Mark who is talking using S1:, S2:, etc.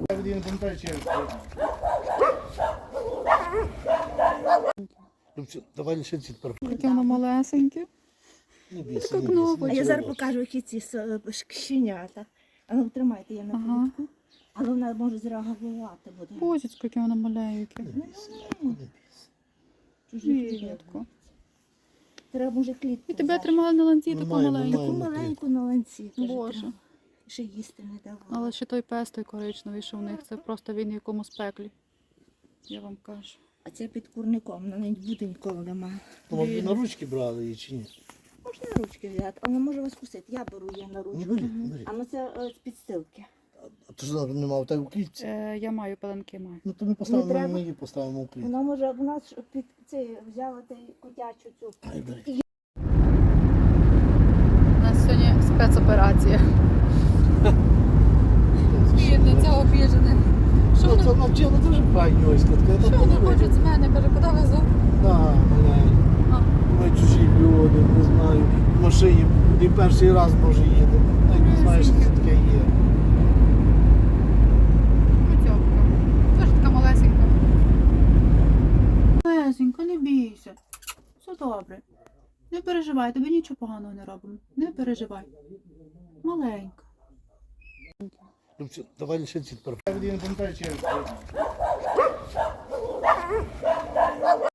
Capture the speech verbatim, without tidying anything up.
S1: Він пам'ятає, чи давай лишиться тепер.
S2: Таке воно малесеньке.
S1: Не бійся,
S2: Як
S1: не
S2: нове.
S1: бійся.
S3: А я зараз покажу, які ці с- щенята. А ну тримайте, я на
S2: Ага.
S3: повідку. Але вона може зреагувати буде.
S2: Бозіцько, яке воно маленьке.
S1: Не бійся, не бійся.
S3: Чужі
S2: Рідко.
S3: Треба може клітку.
S2: І тебе
S3: взяти.
S2: тримали на ланці
S1: Ми
S2: таку
S1: маємо,
S2: маленьку.
S3: Таку
S1: маємо.
S3: маленьку на ланці. каже,
S2: Боже.
S3: треба. Ще їсти не давала.
S2: Але ще той пес той коричневий, що в них, це просто він в якомусь пеклі. Я вам кажу.
S3: А це під курником, на неї буде ніколи немає.
S1: То, мабуть, на ручки брали її чи ні?
S3: Можна на ручки взяти, але може вас кусити. Я беру її на
S1: Ну,
S3: ручку.
S1: бери, бери.
S3: А ну це е, з підстилки.
S1: А то ж нема в тебе у клітці.
S2: Е, я маю пеленки, маю.
S1: Ну то ми поставимо,
S3: треба?
S1: ми її поставимо у клітці.
S3: Вона може, вона ж під це взяла ти котячу цю.
S1: Ай, бери.
S2: У нас сьогодні спецоперація. Бідне, це обіжене. Що
S1: Ну, це
S2: вони,
S1: навчила дуже файні ось така.
S2: що вони хочуть з мене? Каже, куди везу?
S1: Так, маленькі.
S2: А,
S1: Ми чужі люди, не знаю. В машині і перший раз може їде. Навіть не знаєш, що це таке є.
S2: Матьопка. Теж така малесенька. Малесенька, не бійся. Все добре. Не переживай, тобі нічого поганого не робимо. Не переживай. Маленька.
S1: Ну, все, давай лишиться тепер. Він пам'ятає, чи